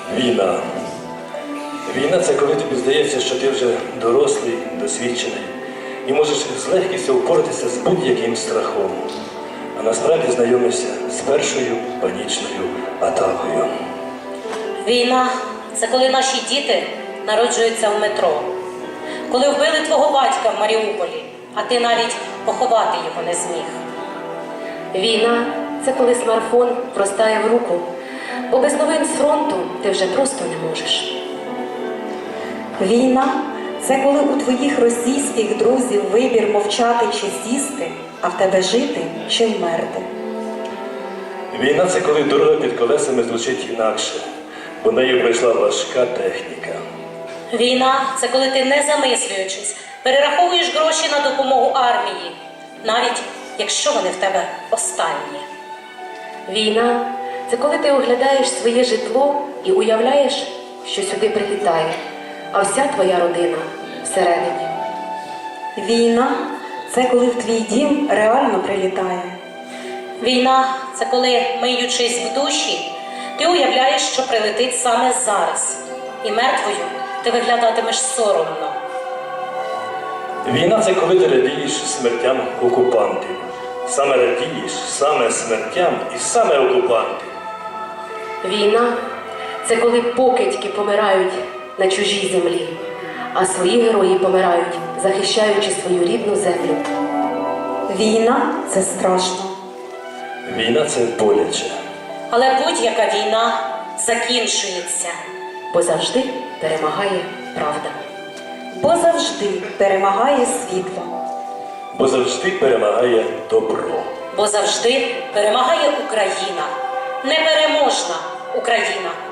Війна. Війна – це коли тобі здається, що ти вже дорослий, досвідчений і можеш з легкістю впоратися з будь-яким страхом. А насправді знайомишся з першою панічною атакою. Війна – це коли наші діти народжуються в метро. Коли вбили твого батька в Маріуполі, а ти навіть поховати його не зміг. Війна – це коли смартфон простає в руку, бо без новин з фронту ти вже просто не можеш. Війна – це коли у твоїх російських друзів вибір мовчати чи сісти, а в тебе жити чи вмерти. Війна – це коли дорога під колесами звучить інакше, бо нею пройшла важка техніка. Війна – це коли ти, не замислюючись, перераховуєш гроші на допомогу армії, навіть якщо вони в тебе останні. Війна – це коли ти оглядаєш своє житло і уявляєш, що сюди прилітає, а вся твоя родина всередині. Війна – це коли в твій дім реально прилітає. Війна – це коли, миючись в душі, ти уявляєш, що прилетить саме зараз, і мертвою ти виглядатимеш соромно. Війна – це коли ти радієш смертям окупантів. Саме радієш, саме смертям і саме окупантів. Війна – це коли покидьки помирають на чужій землі, а свої герої помирають, захищаючи свою рідну землю. Війна – це страшно. Війна – це боляче. Але будь-яка війна закінчується. Бо завжди перемагає правда. Бо завжди перемагає світло. Бо завжди перемагає добро. Бо завжди перемагає Україна. Непереможна Україна.